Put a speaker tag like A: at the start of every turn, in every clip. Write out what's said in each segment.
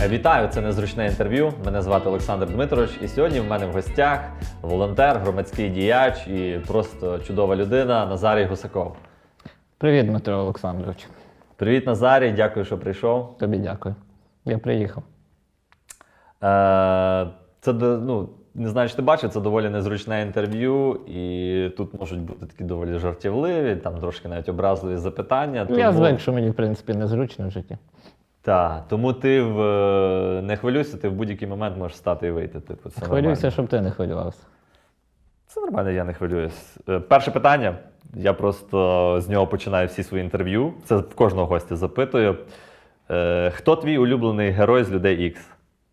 A: Вітаю, це незручне інтерв'ю. Мене звати Олександр Дмитрович, і сьогодні в мене в гостях волонтер, громадський діяч і просто чудова людина Назарій Гусаков.
B: Привіт, Дмитро Олександрович.
A: Привіт, Назарій, дякую, що прийшов.
B: Тобі дякую. Я приїхав.
A: Це, не знаю, чи ти бачив, це доволі незручне інтерв'ю, і тут можуть бути такі доволі жартівливі, там трошки навіть образливі запитання.
B: Я звик, що мені, в принципі, незручно в житті.
A: Так, тому ти не хвилюйся, ти в будь-який момент можеш встати і вийти. Типу, це
B: Хвилюйся,
A: нормально.
B: щоб ти не хвилювався.
A: Це нормально, я не хвилююсь. Перше питання. Я просто з нього починаю всі свої інтерв'ю. Це в кожного гостя запитую. Хто твій улюблений герой з Людей Ікс?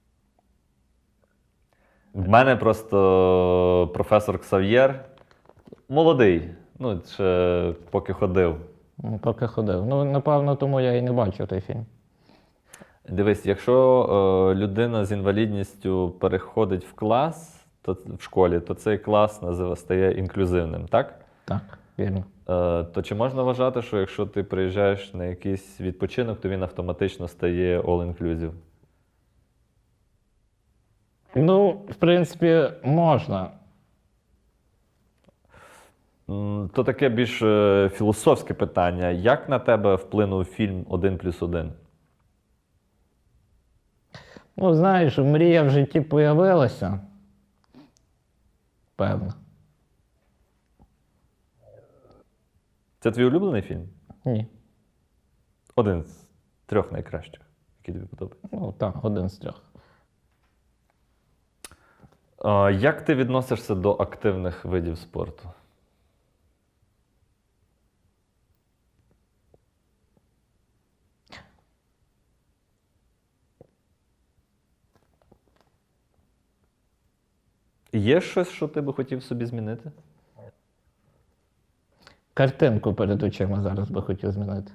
A: В мене просто професор Ксав'єр. Молодий. Ще поки ходив.
B: Поки ходив. Напевно, тому я і не бачив той фільм.
A: Дивись, якщо людина з інвалідністю переходить в клас в школі, то цей клас стає інклюзивним, так?
B: Так, вірно.
A: То чи можна вважати, що якщо ти приїжджаєш на якийсь відпочинок, то він автоматично стає all-inclusive?
B: В принципі, можна.
A: То таке більш філософське питання. Як на тебе вплинув фільм «1+1»?
B: Знаєш, мрія в житті появилася. Певно.
A: Це твій улюблений фільм?
B: Ні.
A: Один з 3 найкращих, який тобі подобається.
B: Так, один з 3.
A: Як ти відносишся до активних видів спорту? Є щось, що ти би хотів собі змінити?
B: Картинку перед очима зараз би хотів змінити.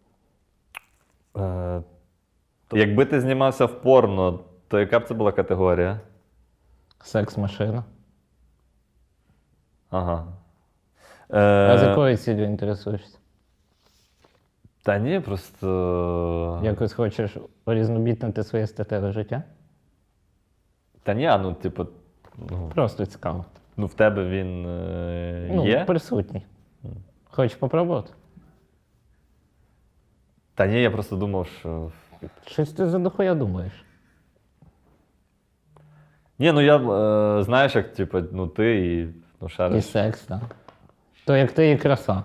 A: Якби ти знімався в порно, то яка б це була категорія?
B: Секс-машина.
A: Ага.
B: А з якою цілею інтересуєшся?
A: Та ні, просто...
B: Якось хочеш урізнобітнити своє статеве життя?
A: Та ні,
B: Просто цікаво.
A: в тебе він є?
B: Присутній. Хочеш попробувати?
A: Та ні, я просто думав, що...
B: Щось ти за дохуя думаєш.
A: Ні, я, знаєш, як, ти і,
B: І
A: шариш.
B: секс, так. То як ти і краса.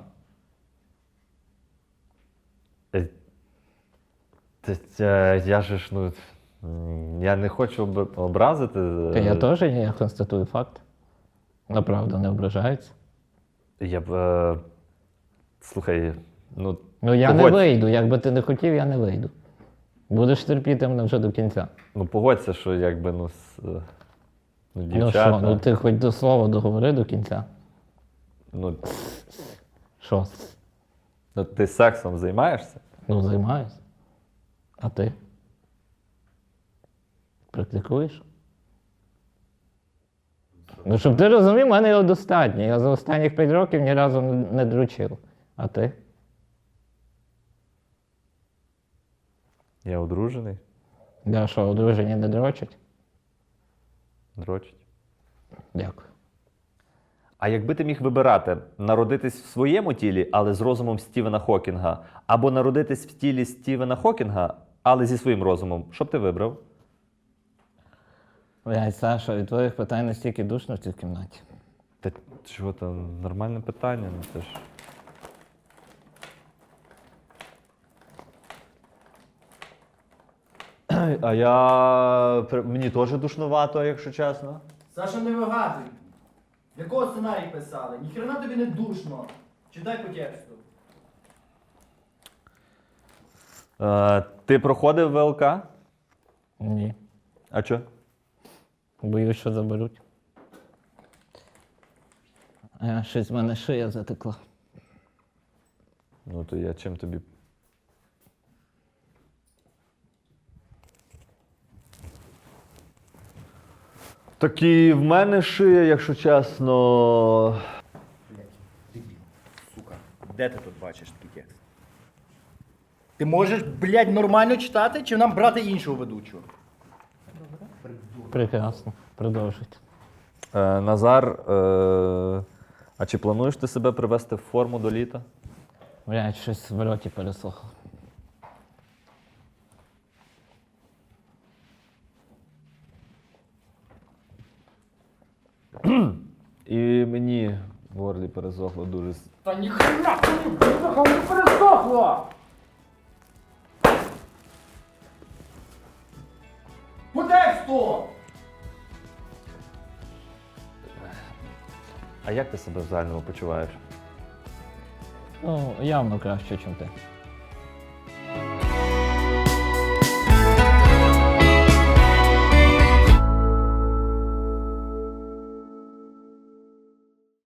A: Я же ж, я не хочу образити.
B: Я теж ні, я констатую факт. Направду не ображається.
A: Я б, слухай,
B: Я не
A: погодь.
B: вийду, якби ти не хотів, я не вийду. Будеш терпіти мене вже до кінця.
A: Погодься, що якби,
B: Ну
A: дівчата.
B: що, ти хоч до слова договори до кінця. Що?
A: Ти сексом займаєшся?
B: Займаюся. А ти? Практикуєш? Щоб ти розумів, в мене його достатньо. Я за останніх 5 років ні разу не дрочив. А ти?
A: Я одружений.
B: Я що, одружені не дрочать?
A: Дрочить.
B: Дякую.
A: А якби ти міг вибирати, народитись в своєму тілі, але з розумом Стівена Хокінга, або народитись в тілі Стівена Хокінга, але зі своїм розумом, що б ти вибрав?
B: Блядь, Саша, від твоїх питань настільки душно в цій кімнаті.
A: Та чого там, нормальне питання, це ж... Мені теж душнувато, якщо чесно.
C: Саша, не вигадуй. Якого сценарій писали? Ніхрена тобі не душно. Читай по тексту.
A: Ти проходив ВЛК?
B: Ні.
A: А чо?
B: Боюсь, що заберуть. Щось в мене шия затекла.
A: То я чим тобі... Так і в мене шия, якщо чесно...
C: Блять, дебіл, сука. Де ти тут бачиш такий текст? Ти можеш, блядь, нормально читати, чи нам брати іншого ведучого?
B: Прекрасно. Продовжуйте.
A: Назар, а чи плануєш ти себе привести в форму до літа?
B: Блядь, щось в роті пересохло.
A: І мені в горлі пересохло дуже.
C: Та ніхрена тобі, бляха, не пересохло! По тексту!
A: А як ти себе в загальному почуваєш?
B: Ну, явно краще, ніж ти.